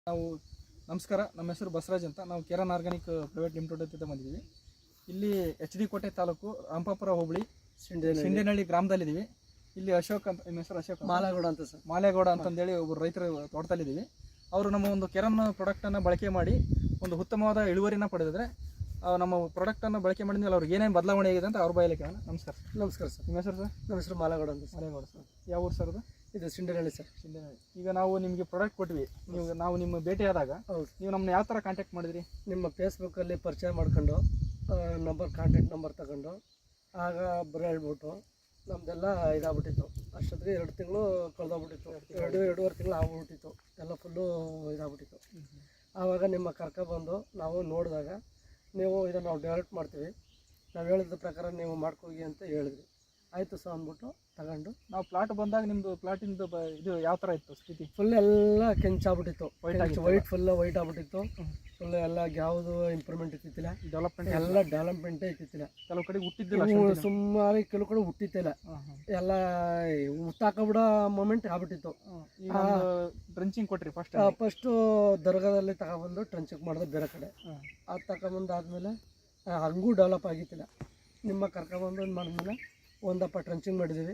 ನಾವು ನಮಸ್ಕಾರ. ನಮ್ಮ ಹೆಸರು ಬಸವರಾಜ್ ಅಂತ. ನಾವು ಕೇರನ್ ಆರ್ಗಾನಿಕ್ ಪ್ರೈವೇಟ್ ಲಿಮಿಟೆಡ್ ಅಂತ ಬಂದಿದ್ದೀವಿ. ಇಲ್ಲಿ ಎಚ್ ಡಿ ಕೋಟೆ ತಾಲೂಕು ರಾಮಪಾಪುರ ಹೋಬಳಿ ಸಿಂಡೇನಹಳ್ಳಿ ಗ್ರಾಮದಲ್ಲಿದ್ದೀವಿ. ಇಲ್ಲಿ ಅಶೋಕ್ ಅಂತ, ನಿಮ್ಮ ಹೆಸರು ಅಶೋಕ್ ಮಾಲೇಗೌಡ ಅಂತ ಸರ್. ಮಾಲೇಗೌಡ ಅಂತಂದೇಳಿ ಒಬ್ಬರು ರೈತರ ತೋಟದಲ್ಲಿದ್ದೀವಿ. ಅವರು ನಮ್ಮ ಒಂದು ಕೆರನ್ ಪ್ರಾಡಕ್ಟನ್ನು ಬಳಕೆ ಮಾಡಿ ಒಂದು ಉತ್ತಮವಾದ ಇಳುವರಿನ ಪಡೆದಿದ್ರೆ ನಮ್ಮ ಪ್ರಾಡಕ್ಟನ್ನು ಬಳಕೆ ಮಾಡಿದ್ಮೇಲೆ ಅವ್ರಿಗೆ ಏನೇನು ಬದಲಾವಣೆ ಆಗಿದೆ ಅಂತ ಅವ್ರ ಬಾಯಲ್ಲಿ ಕೇಳೋಣ. ನಮಸ್ಕಾರ ಸರ್. ನಮಸ್ಕಾರ ಸರ್. ನಿಮ್ಮ ಹೆಸರು ಸರ್? ನಮ್ಮ ಹೆಸರು ಮಾಲೇಗೌಡ ಅಂತ. ಮಾಲೇಗೌಡ ಸರ್. ಯಾವ ಊರು ಸರ್ ಅದು? ಇದು ಸಿಂಡೇನಹಳ್ಳಿ ಸರ್. ಸಿಂಡೇನಹಳ್ಳಿ. ಈಗ ನಾವು ನಿಮಗೆ ಪ್ರಾಡಕ್ಟ್ ಕೊಟ್ವಿ, ನಾವು ನಿಮ್ಮ ಭೇಟಿ ಆದಾಗ ನೀವು ನಮ್ಮನ್ನ ಯಾವ ಥರ ಕಾಂಟ್ಯಾಕ್ಟ್ ಮಾಡಿದ್ರಿ? ನಿಮ್ಮ ಫೇಸ್ಬುಕ್ಕಲ್ಲಿ ಪರಿಚಯ ಮಾಡ್ಕೊಂಡು ಕಾಂಟ್ಯಾಕ್ಟ್ ನಂಬರ್ ತಗೊಂಡು ಆಗ ಬರೋ ಹೇಳ್ಬಿಟ್ಟು ನಮ್ಮದೆಲ್ಲ ಇದಾಗ್ಬಿಟ್ಟಿತ್ತು. ಅಷ್ಟೊತ್ತಿಗೆ 2 ತಿಂಗಳು ಕಳೆದೋಗ್ಬಿಟ್ಟಿತ್ತು. 2-2.5 ತಿಂಗಳು ಆಗ್ಬಿಟ್ಟಿತ್ತು. ಎಲ್ಲ ಫುಲ್ಲು ಇದಾಗ್ಬಿಟ್ಟಿತ್ತು. ಆವಾಗ ನಿಮ್ಮ ಕರ್ಕೊಬಂದು ನಾವು ನೋಡಿದಾಗ ನೀವು ಇದನ್ನು ನಾವು ಡೆವಲಪ್ ಮಾಡ್ತೀವಿ, ನಾವು ಹೇಳಿದ ಪ್ರಕಾರ ನೀವು ಮಾಡ್ಕೋಗಿ ಅಂತ ಹೇಳಿದ್ವಿ. ಆಯಿತು ಸರ್ ಅಂದ್ಬಿಟ್ಟು ತಗೊಂಡು ನಾವು ಪ್ಲಾಟ್ ಬಂದಾಗ ನಿಮ್ಮದು ಪ್ಲಾಟಿಂದು ಇದು ಯಾವ ಥರ ಇತ್ತು ಸ್ಥಿತಿ? ಫುಲ್ ಎಲ್ಲ ಕೆಂಚಾಗ್ಬಿಟ್ಟಿತ್ತು. ವೈಟ್ ಫುಲ್ ವೈಟ್ ಆಗ್ಬಿಟ್ಟಿತ್ತು. ಫುಲ್ ಎಲ್ಲ ಯಾವುದು ಇಂಪ್ರೂವ್ಮೆಂಟ್ ಇತ್ತಿಲ್ಲ, ಡೆವಲಪ್ಮೆಂಟೇ ಇತ್ತಿಲ್ಲ. ಕೆಲವು ಕಡೆ ಹುಟ್ಟಿದ್ದಿಲ್ಲ, ಸುಮಾರು ಕೆಲವು ಕಡೆ ಹುಟ್ಟಿತ್ತಿಲ್ಲ. ಎಲ್ಲ ಹುಟ್ಟಾಕಬಿಡೋ ಮೂಮೆಂಟ್ ಆಗ್ಬಿಟ್ಟಿತ್ತು. ಡ್ರಂಚಿಂಗ್ ಕೊಟ್ರಿ ಫಸ್ಟು ದರ್ಗಾದಲ್ಲಿ ತಗೊಬಂದು ಟ್ರಂಚಿಂಗ್ ಮಾಡಿದೆ ಬೇರೆ ಕಡೆ. ಅದು ತಗೊಂಬಂದಾದ್ಮೇಲೆ ಹಂಗೂ ಡೆವಲಪ್ ಆಗಿತ್ತಿಲ್ಲ. ನಿಮ್ಮ ಕರ್ಕೊಬಂದು ಮಾಡಿದ್ಮೇಲೆ ಒಂದಪ್ಪ ಟ್ರಂಚಿಂಗ್ ಮಾಡಿದ್ದೀವಿ,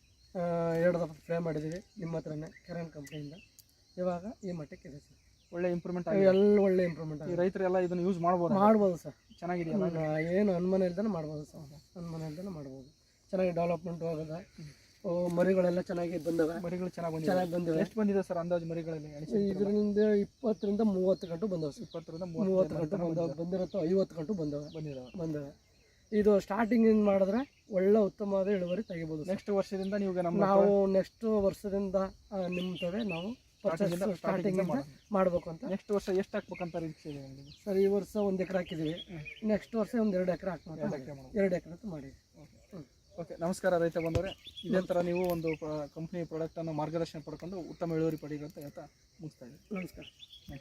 2 ದಪ್ಪ ಫ್ರೈ ಮಾಡಿದ್ದೀವಿ ನಿಮ್ಮ ಹತ್ರನೇ ಕೆರನ್ ಕಂಪ್ನಿಯಿಂದ. ಇವಾಗ ಈ ಮಟ್ಟಕ್ಕೆ ಇದೆ ಸರ್. ಒಳ್ಳೆ ಇಂಪ್ರೂವ್ಮೆಂಟ್ ಎಲ್ಲ ಒಳ್ಳೆ ಇಂಪ್ರೂವ್ಮೆಂಟ್ ಆಗಿದೆ. ರೈತರೆಲ್ಲ ಇದನ್ನು ಯೂಸ್ ಮಾಡ್ಬೋದು ಸರ್. ಚೆನ್ನಾಗಿದೆಯಲ್ಲ? ಏನು ಅನುಮಾನ ಇಲ್ದೇ ಮಾಡ್ಬೋದು ಸರ್. ಅನುಮಾನ ಇಲ್ದೇ ಮಾಡ್ಬೋದು. ಚೆನ್ನಾಗಿ ಡೆವಲಪ್ಮೆಂಟ್ ಹೋಗೋದ. ಮರಿಗಳೆಲ್ಲ ಚೆನ್ನಾಗಿ ಬಂದವೆ. ಮರಿಗಳು ಚೆನ್ನಾಗಿ ಬಂದಿವೆ. ಎಷ್ಟು ಬಂದಿದೆ ಸರ್ ಅಂದಾಜು ಮರಿಗಳಲ್ಲಿ? ಇದರಿಂದ 20ರಿಂದ 30 ಗಂಟು ಬಂದವೆ ಸರ್. 20ರಿಂದ 30 ಗಂಟು ಬಂದಿರುತ್ತೆ. 50 ಗಂಟು ಬಂದವೆ. ಇದು ಸ್ಟಾರ್ಟಿಂಗ್ ಮಾಡಿದ್ರೆ ಒಳ್ಳೆ ಉತ್ತಮವಾದ ಇಳುವರಿ ತೆಗಿಬೋದು. ನೆಕ್ಸ್ಟ್ ವರ್ಷದಿಂದ ನಾವು ನೆಕ್ಸ್ಟ್ ವರ್ಷದಿಂದ ನಿಮ್ತವೆ ನಾವು ಸ್ಟಾರ್ಟಿಂಗ್ ಮಾಡಬೇಕು ಅಂತ. ನೆಕ್ಸ್ಟ್ ವರ್ಷ ಎಷ್ಟು ಹಾಕ್ಬೇಕಂತ ನಿರೀಕ್ಷೆ ಇದೆ ನಿಮಗೆ? ಸರ್, ಈ ವರ್ಷ 1 ಎಕರೆ ಹಾಕಿದ್ದೀವಿ. ನೆಕ್ಸ್ಟ್ ವರ್ಷ ಒಂದು 2 ಎಕರೆ ಹಾಕ್ಬೇಕು. 2 ಎಕರೆ ಅಂತ ಮಾಡಿ. ಓಕೆ, ನಮಸ್ಕಾರ ರೈತ ಬಂದವರೇ. ಇದೇ ಥರ ನೀವು ಒಂದು ಕಂಪ್ನಿ ಪ್ರಾಡಕ್ಟನ್ನು ಮಾರ್ಗದರ್ಶನ ಪಡ್ಕೊಂಡು ಉತ್ತಮ ಇಳುವರಿ ಪಡೀರಿ ಅಂತ ಹೇಳ್ತಾ ಮುಗಿಸ್ತಾ ಇದ್ದೀನಿ. ನಮಸ್ಕಾರ.